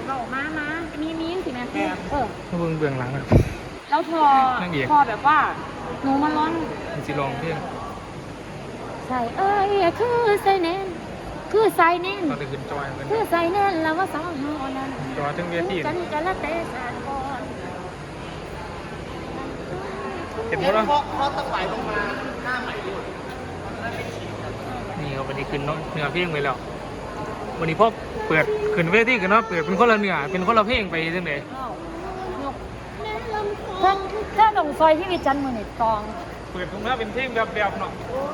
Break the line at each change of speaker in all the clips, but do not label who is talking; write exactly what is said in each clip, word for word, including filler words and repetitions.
เรามามามีมีสิแม่คือเออ
เบื้องเบื้องหลังอะ
แล้วพอพอแบบว่าหนูมาร้อง
มันสิลองเพลง
ใส่เอ้ยคือใส่แน่นคือใส่แน่น
ตอนได้ขึ้นจอยมัน
คือใส่แน่นแล้วว่าสองเฮานั้น
จอยถึงเวที
กันกันละเตะสานก่อน
เห็นหมดแล้วเพราะต้องไหลลงมาหน้าใหม่ด้วยนี่เขาวันนี้ขึ้นเนื้อเพลงไปแล้ววันนี้พอเปิดขึ้นเวทีกันเนาะเปิดเป็นคนละเนื้อเป็นคนละเพลงไปจังได๋
ถ้าถ้าลงซอยที่วิจันทร์มือนี่ตอง
เปิดตรงหน้าเป็นเพลงแบบแบบเนาะ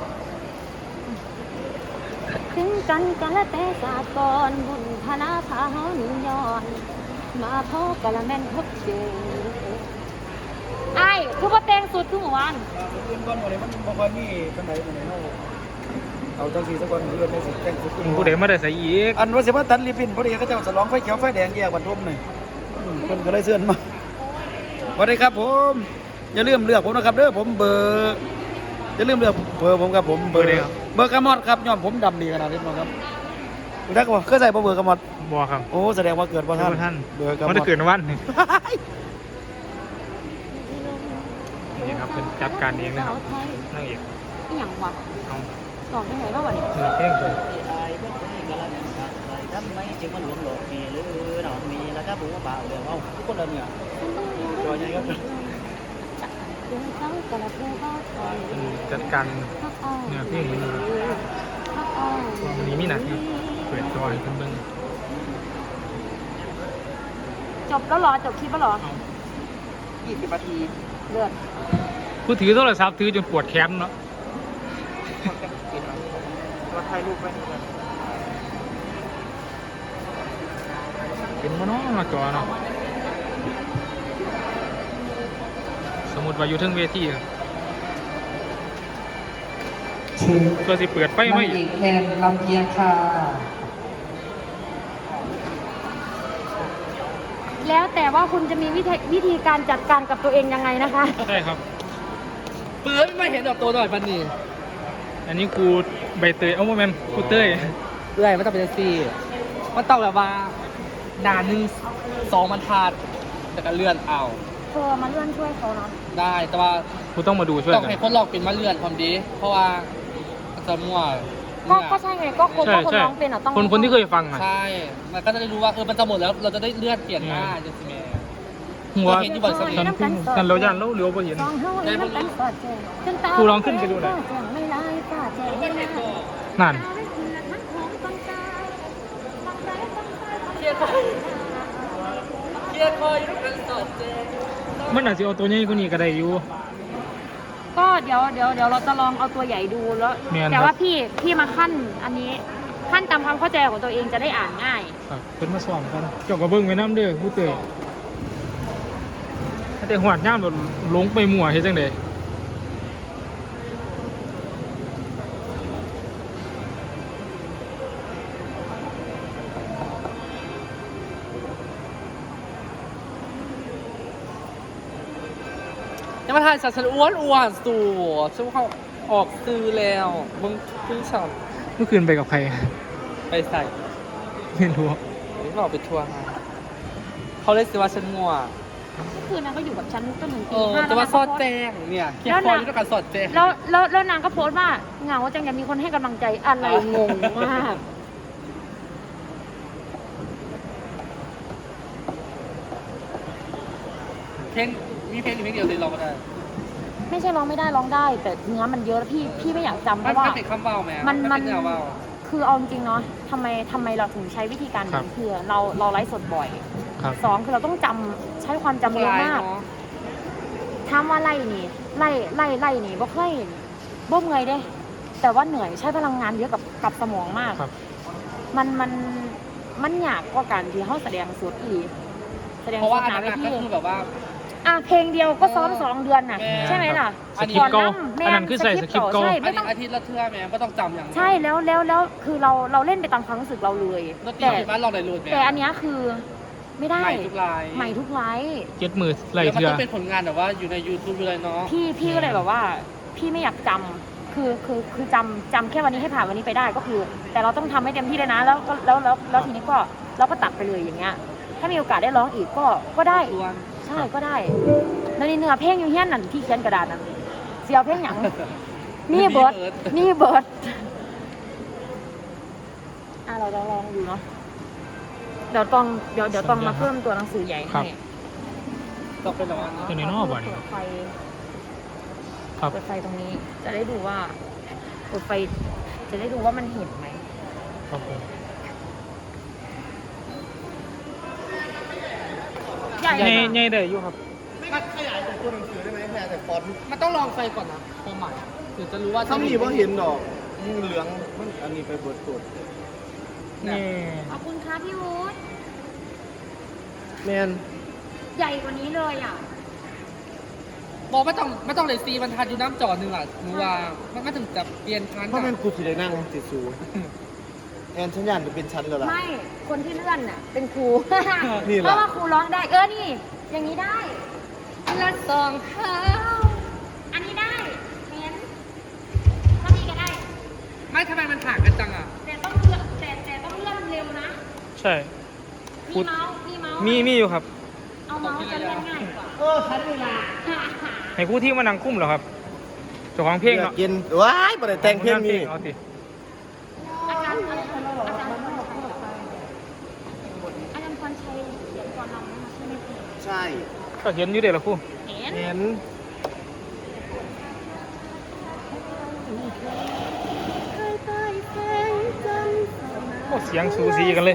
ถึงกันกันละแต่สากรบุญพนาพาเฮาหนุนย้อนมาพอกะละแม่นพบเจอไอ้คือว่าแต่งสุดคือเมื่อวาน
อื่นก่อนวันนี้มันบางวันนี่เป็นไหนเป็นไหนเนาะเอาจังสีสักวันเดือนในสิแต่งสุด
ผู้ใดมาได้ใส่อีก
อันว่าสิว่าตันรีพินพอดีเขาเจ้าฉลองไฟเขียวไฟแดงแยกวันทุ่มหนึ่งคนก็เลยเสื่อนมาสวัสดีครับผมอย่าลืมเลือกผมนะครับเด้อผมเบอร์อย่าลืมเลือกเบอร์ผมครับผมเบอร์เบอร์กระมอดครับย้อนผมดำดีขนาดนี้นะครับคุณทักว่าเคยใส่เบอร์กระมอด
บ่ครับ
โอ้แสดงว่าเกิดว่าท่าน
ท่าน
เบอร์กระม
มัน
อ
ได้
ด
เกิดวันนี่นี่ครับเป็นจัดการเองนะครับนั่งเอก
อีหยังวะ
เอา
สอนที่ไหนบ้างวะนี่
เนื้อเพลงเลย
ทำไมจึงมันหลงหลงมีหรือหนอนมีแล้วก็บุ้งเปล่าเดี๋ยวเอาทุกคนเลยเนี่ยจอยใหญ่ครับ
เดี๋ยวเขากะละผู้เขาคอย
เป็นจัดการ
พักอ้อ
เนื้อเพลงมัน
พักอ้อ
วันนี้มีหนักที่เปิดจอยเพิ่นเบิ่ง
จบแล้วเหรอจบคลิปแล้วเหรอ
เอา
ยี่สิบนาที
เลือด
ผู้ถือโทรศัพท์ถือจนปวดแขนเนาะ
มาถ่ายรูปไว้
เป็นบ่เนาะหน้าจอเนาะสมมุติว่าอยู่เทิงเวทีครับก็สิเปิดไฟ
ไม่
ไม่
อีกแทนลำเพียงค่ะ
แล้วแต่ว่าคุณจะมีวิธีวิธีการจัดการกับตัวเองยังไงนะคะ
ใช่ครับ
เปื้อนไม่เห็นดอกตัวหน่อยปันนี่
อันนี้กูใบเตยเอ้าบ่แม่นกูเต้ย
เรื่อยมันต้องเป็นซีมันต้องแบบว่าด่านหนึ่งสองบรรทัดแต่ก็เลื่อนเอา
เธอมาเลื่อนช่วยเขาเนาะ
ได้แต่ว่า
กูต้องมาดูช่วย
ต้อง
กัน
ให้คนลองเป็นมาเลื่อนความดี เพราะว่ามันจะมั่ว
ก็
เนี่ย
ก็ใช่ไงก็คน
ใช่
ก็คน
ใช่
ร้องเป็นอ่ะต้อง
คนคนที่เคยฟังอ่ะ
ใช่ มันก็จะได้รู้ว่าเออมันจะหมดแล้วเราจะได้เลื่อนเปลี่ยนหน้าจะสิแม่
หัว
เห็นอยู่บ่อยสักนิด
ฉันเพิ่งฉันเราย่านเราเหลียวบ่เห็น
สองเฮาเลยน้ำกันสอดแจงจนตา
ครูลองขึ้นไปดูหน่อย
แจงไม่ไล่ป้าแจงไม่ไล่
นั่น
เครียดคอยเครียดคอยอยู่กันสดเจ
มันอาจจะเอาตัวใหญ่กว่านี้ก็ได้อยู่
ก็เดี๋ยวเดี๋ยวเดี๋ยวเราจะลองเอาตัวใหญ่ดูแล้ว
แม่นครับ
แต่ว่าพี่พี่มาขั้นอันนี้ขั้นตามความเข้าใจของตัวเองจะได้อ่านง่าย
ครับเพิ่นมาสอนกันเจ้าก็เบิ่งไว้นำเด้อผู้เต้ยแต่หวดย่ามแบบหลงไปมั่วเฮ็ดจังได๋
ยังมาถ่ายสัตว์ฉันอ้วนอ้วนสู่ฉันว่าเขาออกซื้อแล้วมึงเพิ่งฉัน
เมื่อคืนไปกับใคร
ไปใส่
ไม่รู้
หรือเปล่าไปทัวร์มาเขาเลยสิว่าฉันงัว
คืนนั้นก็อยู่กับฉันจนถึง
เอ
ตี
อ
ห้า
แต่ว่า
ล้
ส
น
อ
ง
ด
ก็โพสต์
แจ้งเนี่ยเกี่ยวคออยู่ด้วยกันสอดแจ้ง
แล้วแล้วแล้วนางก็โพสต์ว่าเหงาจังอยากมีคนให้กำลังใจอะไรงงมาก
เพลงมีเพลงอยู่เพลงเดียวเลยเราก็ได้
ไม่ใช่ร้องไม่ได้ร้องได้ แต่เนื้อมันเยอะแล้วพี่พี่ไม่อยากจำเพ
มัน
ราะว่า
มันเป็นคำเบาไหม
มันมัน
เป็นแนวเบา
คือเอาจริงๆเนาะทำไมทำไมเราถึงใช้วิธีการนี้คือเราเราไลฟ์สดบ่อย
ครับ
สองคือเราต้องจำใช้ความจำเยอะมาก
เนาะ
ถามว่าไล่นี่ไล่ไล่ไล่นี่บ่เคยบ่เมื่อยเด้ แต่ว่าเหนื่อยใช้พลังงานเยอะกับกับสมองมาก
ครับ
มันมันมันยากกว่าการที่เขาแสดงสดอีกแสดง
เพราะ
ส
ว่า
ด
อัน
หนา
นั้น
เว
ก็
ที
คือแบบว่า
อ่ะเพลงเดียวก็ซ้อมสองเดือนน่ะ
แม่
ใช่ไหมล่ะ
สคริปต์เก่า
แม่
อันนั้นคือใส่สคริปต์เก่า
ใช่
อั
ไม่
น
ต้
นี้
อง
อาทิตย์ละเทื่อแม่ก็ต้องจำอย่างนั้น
ใช่แล้วแล้วแล้วคือเราเราเล่นไปตามความรู้สึกเราเลย
แล้วตี
แต่
ผิดบ้านลองได้รูดแม่
แต่อันเนี้ยคือไม่ได้
ใหม่ทุกลาย
ใหม่ทุกไลฟ์
เจ็ดมือไหล
แล้วมัน
เทื่อ
ต้องเป็นผลงานแบบว่าอยู่ใน YouTube อยู่เลยเนาะ
พี่พี่ก็เลยแบบว่า พี่ไม่อยากจำคือคือคือจำจำแค่วันนี้ให้ผ่านวันนี้ไปได้ก็คือ แต่เราต้องทำให้เต็มที่เลยนะ แล้วก็แล้วแล้วแล้วทีนี้ก็เราก็ตัดไปเลยอย่างเงี้ยถ้ามีโอกาสได้ร้องอีกก็ก็ได้
ส่วน
ใช่ก็ได้แล้วนี่เนื้อเพลงอยู่เฮี้ยนนั่นที่เขียนกระดาษนั่นเสียวเพลงหยังนี่เบิร์ดนี่เบิร์ดอ่ะเราจะลองดูเนาะเดี๋ยวต้องเดี๋ยวเดี๋ยวต้องมาเพิ่มตัวหนังสือใหญ่ให้
ต้องไปรอ
ตัวนี้นอกบ่นี่
เปิดไฟ
ครับ
เปิดไฟตรงนี้ จะได้ดูว่าเปิดไฟจะได้ดูว่ามันเห็นไหม
ครับผม
ใหญ่
ใหญ่
นะ
ใหญ่ได้อยู่ครับ
มันขยายเป็นตัวหนังสือได้ไหมแค่แต่ฟอนต์
มันต้องลองไฟก่อนนะความหมายถึงจะรู้ว่า
ถ้ามีว่าเห็นดอกมึงเหลืองมันอันนี้ไปเบิดตัว
นี่
ขอบคุณค่ะพี่วูด
แมน
ใหญ่กว่านี้เลยอ่ะ
บอกไม่ต้องไม่ต้องเลยซีมันทันอยู่น้ำจอหนึ่งอ่ะหนูว่ามันก็ถึงจะเปลี่ยนทัน
เพราะแมนกูสิได้นั่งติดสูแอนฉันยานจะเป็นชั้นแล้วล่ะ
ไม่ คนที่เลื่อนน่ะ เป็นครู
นี่เหรอ
เพราะว่าครูร้องได้ เออ นี่ อย่างนี้ได้ละสองเท้าอันนี้ได้เห็นถ้ามีก็ได้
ไม่ทำไมมันห่างกันจังอ่ะ
แต่ต้องเลื่อนแต่แต่ต้องเลื่อนเร็วนะ
ใช่
มีเมาส์มีเมาส์
มีมีอยู่ครับ
เอาเมาส์จะเลื่อนง่ายกว่า
เออทันเวลา
ให้ผู้ที่มานั่งคุ้มเหรอครับเจ้าของเพลงเนาะ
กินว้ายบ่ได้แต่งเพลงนี้
เอาสิ
อาจารย์อาจารย์อาจารย์อาจารย์พรชัยเขียนก่อนเรานะคะใช่ไหมพี่
ใช่
ก็เห็นอยู่เด็ดละครู่
เห็น
เห็น
โอ้เสียงสูสีกันเลย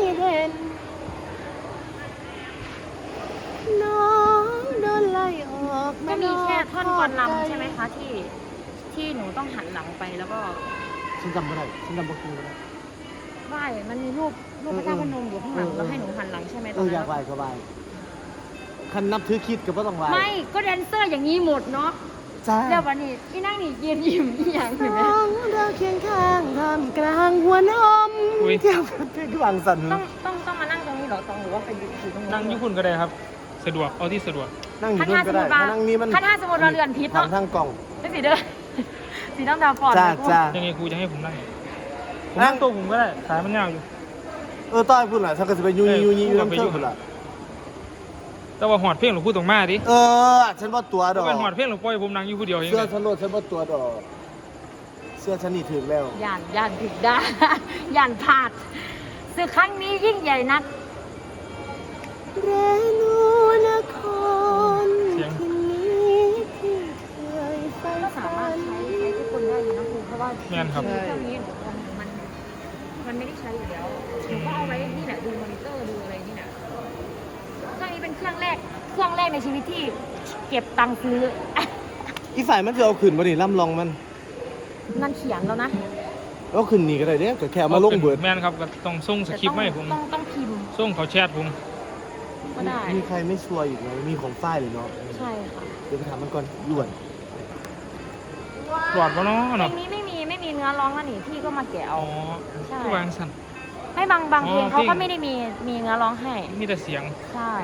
ก็มีแค่ท่อนก่อนลำใช่ไหมคะที่ที่หนูต้องหันหลังไปแล้วก็
ฉันจำไม่ได้ฉันจำบ่ได้
ไหว้มันมีรูปรูปพระเจ้าพนมอยู่ข้างหลัง
เออ
แล้วให้หนูหันหลังใช่ไหมต
เอ
อน
ออยา
นั้
ก
น
ไหวก็ไหวคันนับถือคิดก็บ่ต้องไหว
ไม่ก็แดนเซอร์อย่างนี้หมดเนาะ
จ้า
เดี๋ยววันนี้พี่นั่งนี่ยืนยิ้มอีหยังเห็นไหม
เราเคียงข้างทำกลางหัวนม
อุ๊ย
เที่ยวกันเพลงคือวางสัน
ต้องต้องต้องมานั่งตรงนี้เหรอตรงหรือว่าไปยืนอยู่ตรงนู้น
นั่งญี่ปุ่นก็ได้ครับ สะดวกเอาที่สะดวก
นั่งอยู่
ถ้า
นู่
ถ้าน ส
ก็
มมติว่า
ได้ถ้านั่งนี้มัน
ถ้าถ้าสมมติเราเรือนพิษ
ทา
เนาะ
งทางกล่อง
ไม่สีเด้อ สีน้ำดาวฟอน
จ้าจ้า
ยังไงครูจะให้ผมนั่งผม
นั่
นั่
ง
งตัวผมก็ได้ขายมันยาวอยู่
เออต้อยพูดหน่อยถ้าเกิดจะไปยุยยุยยุย
เออ
น้ำ
ไป
เชื่
ยุ่
อง มพุ่นล่ะ
แต่ว่าหอดเพลงหรือพูดตรงมาดิ
เออฉันว่าตัวด
ถ้า
อก
เป็นหอดเพลงหรือปล่อยผมนั่งอยู่ผู้เดียวเอง
เสื้อ
เลย
ฉันโลดฉันว่าตัวดอกเสื้อฉันนี่ถึงแล้ว
ย่านย่านผิดได้ ย่านพลาดศึกครั้งนี้ยิ่งใหญ่นัก
เรนูนคร
เสียง
ที่นี้ที่เคยไป
ก็สามารถใช้ใช้ทุกคนได้อยู่นะครูเพราะว่า
แม่นครับ
เครื่องนี้หนูมันมันมันไม่ได้ใช้อยู่แล้วหนูก็เอาไว้นี่แหละดูมอนิเตอร์ดูอะไรนี่แหละเครื่องนี้เป็นเครื่องแรกเครื่องแรกในชีวิตที่เก็บตังค์ซื้อ
อีฝ่ายมันจะเอาขึ้นบ่นี่ล่ำลองมัน
นั่นเขียนแล้วนะ
เอาขึ้นนี่ก็ได้เด้ก็แค่เอามาลงเบิด
แม่นครับก็ต้องส่งสคริปต์มาให้ผม
ต้องต้องพิมพ์
ส่งเขาแชทผม
ก็ได้
มีใครไม่ชัวร์อีกไหมมีของฝ้ายหรือเนาะ
ใช่ค่ะ
เดี๋ยวไปถามมันก่อนด่วน
ปลอดวะเนาะ
เพล
เนาะ
งนี้ไม่มีไม่มีเนื้อร้องแล้วนี่พี่ก็มาแกะ
อ๋
เอา
อ
ใช่
ผู้วางสั่น
ไม่บางบางเพลง
อ๋อ
เขา
เพล
ก็
ง
ไม่ได้มีมีเนื้อร้องให้
มีแต่เสียง
ใช่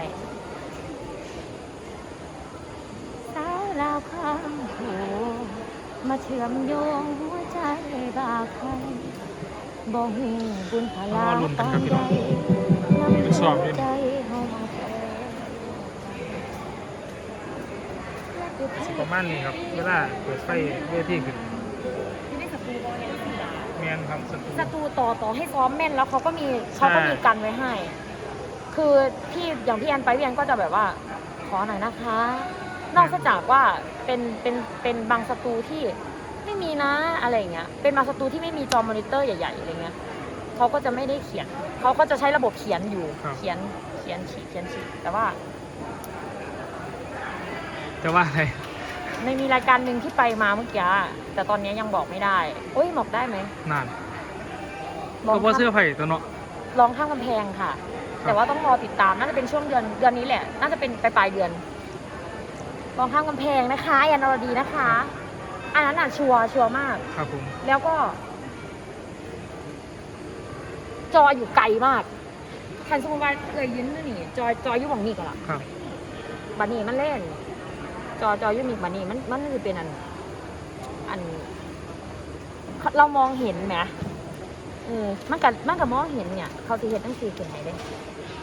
สาวลาวข้างโขงมาเชื่อมโยงหัวใจบาใครบ่หูบุญพลา
อ๋อลุ้นกั
ปาน น
ครับพี่
ใด
น้อง
นำ
ไปสอบอยู่
ใจเฮามาแพ้
สิประมาณนี้ครับ เวลาเปิดไฟเวทีขึ้น
ที่ได้สตูบอลเนี่ยสีดา
แม่นครับสตู
สตูต่อต่อให้ซ้อมแม่นแล้วเขาก็มีเขาก็มีกันไว้ให้ คือพี่อย่างพี่แอนไปพี่แอนก็จะแบบว่าขอหน่อยนะคะ นอกจากว่าเป็นเป็นเป็นบางสตูที่ไม่มีนะอะไรอย่างเงี้ย เป็นบางสตูที่ไม่มีจอมอนิเตอร์ใหญ่ๆอะไรเงี้ยเขาก็จะไม่ได้เขียนเขาก็จะใช้ระบบเขียนอยู่ เขียนเขียนฉีกเขียนฉีกแต่ว่า
จะว่าอะไร
ในมีรายการหนึ่งที่ไปมาเมื่อกี้แต่ตอนนี้ยังบอกไม่ได้โอ้ยบอกได้ไหม
นาน
ลอง
ก็บ่เสื้อ
ข้าม
ไผ่ตัวเนาะ
ลองข้ามกำแพงค่ะ แต่ว่าต้องรอติดตามน่าจะเป็นช่วงเดือนเดือนนี้แหละ น่าจะเป็นปลายปลายๆเดือนลองข้ามกำแพงนะคะแอนอรดีนะคะอันนั้นอ่ะชัวร์ชัวร์มาก
ครับผม
แล้วก็ จออยู่ไกลมากคันสมมติว่าเคยยืนนี่จอจออยู่หวังนี่ก่อนละ
ครับ
บันนี่มันเล่น จอจออยู่มีบันนี่มันมันคือเป็นอัน อัน เรามองเห็นไหมเออมันกับมันกับมองเห็นเนี่ย เขาสิเห็นตั้งสี่เขียนไหนได้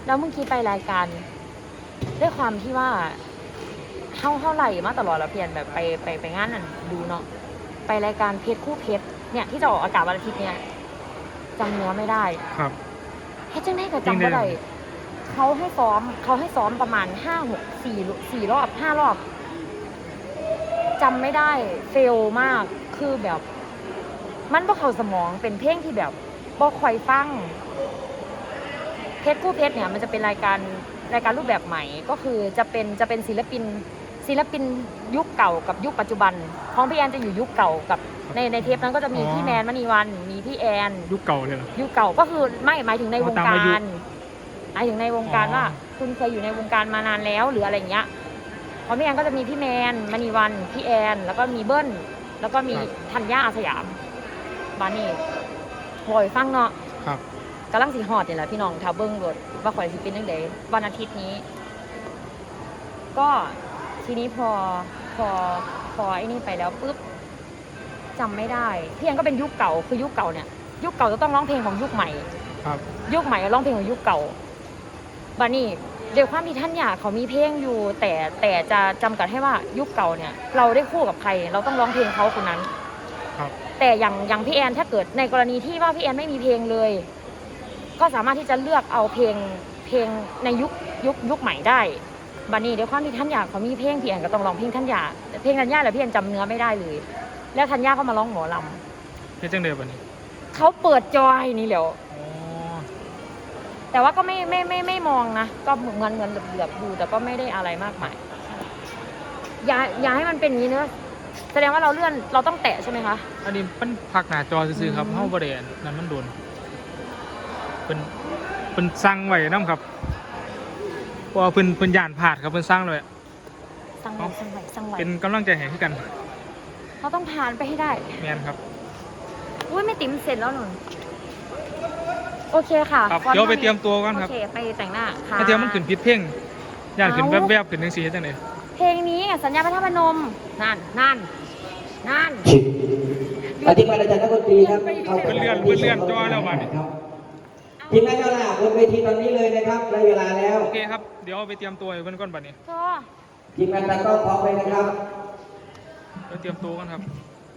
แล้วเมื่อกี้ไปรายการด้วยความที่ว่าเท่าเท่าไหร่มาตลอดแล้วเพียนแบบไปไปไปงานนั่นดูเนาะไปรายการเพชรคู่เพชรเนี่ยที่จะออกอากาศวันอาทิตย์เนี่ยจำเนื้อไม่ได้
ครับ
เฮ็ดจังได๋ก็จำบ่ได้เขาให้ซ้อมเขาให้ซ้อมประมาณห้า หก สี่ สี่รอบห้ารอบจำไม่ได้เฟลมากคือแบบ มันบ่เข้าสมองเป็นเพลงที่แบบบ่ค่อยฟังเพชรคู่เพชรเนี่ยมันจะเป็นรายการรายการรูปแบบใหม่ก็คือจะเป็นจะเป็นศิลปินศิลปินยุคเก่ากับยุคปัจจุบันของพี่แอนจะอยู่ยุคเก่ากับในในเทปนั้นก็จะมีพี่แมนมณีวันมีพี่แอน
ยุคเก่าเลยเหรอ
ยุคเก่าก็คือไม่หมายถึงในวง
ตาม
กา
อายุ
รหมายถึงในวงการ
อ๋อ
ว่า คุณเคยอยู่ในวงการมานานแล้วหรืออะไรอย่างเงี้ยเพราะพี่แอนก็จะมีพี่แมนมณีวันพี่แอนแล้วก็มีเบิ้ลแล้วก็มีธัญญาอาสยามบานี่ลอยฟังเนาะ
ครับ
กำลังสีหอดเนี่ยแหละพี่น้องทาวเบิ้งรถว่าข่อยสิเป็นยังไงวันอาทิตย์นี้ ก็ทีนี้พอพอพอไอ้นี่ไปแล้วปุ๊บจำไม่ได้พี่แอนก็เป็นยุคเก่าคือยุคเก่าเนี่ยยุคเก่าจะต้องร้องเพลงของยุคใหม่
ครับ
ยุคใหม่ร้องเพลงของยุคเก่าบานี่เดี๋ยวความที่ท่านอยากเขามีเพลงอยู่ แต่แต่จะจำกัดให้ว่ายุคเก่าเนี่ย เราได้คู่กับใคร เราต้องร้องเพลงเขาคนนั้น
ครับ
แต่อย่างอย่างพี่แอนถ้าเกิดในกรณีที่ว่าพี่แอนไม่มีเพลงเลย ก็สามารถที่จะเลือกเอาเพลงเพลงในยุคยุคยุคใหม่ได้บานี่เดี๋ยวความที่ท่านอยากเขามีเพลงพี่แอนก็ต้องร้องเพลงท่านอยากแต่เพลงทัญญาแล้วพี่แอนจำเนื้อไม่ได้เลย แล้วทัญญาก็มาร้องหมอลำ
เฮ็ดจังได๋บัดนี้
เขาเปิดจอยนี่แหละ
อ๋อ
แต่ว่าก็ไม่ไม่ไม่ไม่มองนะก็เหมือนเหมือนเหลือบๆดูแต่ก็ไม่ได้อะไรมากมายอย่าอย่าให้มันเป็นอย่างนี้เนอะแสดงว่าเราเลื่อนเราต้องแตะใช่ไหมคะ
อันนี้มันพักหน้าจอซื่อๆครับ
อืม
เฮาบ่ได้อันนั่นมันโดนเพิ่นเพิ่นสั่งไว้นํครับเพราะว่าเพิ่นเพิ่นย่านพลาดครับเพิ่นสั่งไว้
สั่งไหวสั่งไหวสั่งไหว
เป็นกำลังใจให้คือกัน
เราต้องผ่านไปให้ได้
แม่นครับ
อุ้ยไม่ติ๋มเสร็จแล้วหนุนโอเคค่ะ
ครับ
ฟอนต์
เดี๋ยวไปเตรียมตัวก่อนครับ
โอเคไปแต่งหน้าค่ะ
ถ้าเทียมมันขึ้นผิดเพลงย่านขึ้น
เอ้า
แวบๆขึ้นจังซี่เฮ็ดจังได๋
เพลงนี้สัญญาพระธาตุพนมนั่นนั่นนั่น
ปฏิบัติอาจารย์นักดนตรีครับข้า
เพิ่นเลื่อนเพิ่นเลื่อนจอแล้วบัดนี้
ครับทีมงานเจ้าหน้าบนเวทีตอนนี้เลยนะครับได้เวลาแล้ว
โอเคครับเดี๋ยวไปเตรียมตัวให้เพิ่นก่อนบัดนี้
ก็
ทีมงานตากล้องพร้อมเลยนะครับ
ไปเตรียมตัวกันครับ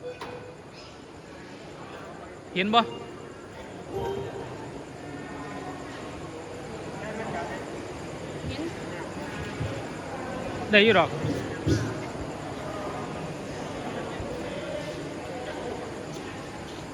เห็นบ่ได้อยู่ดอก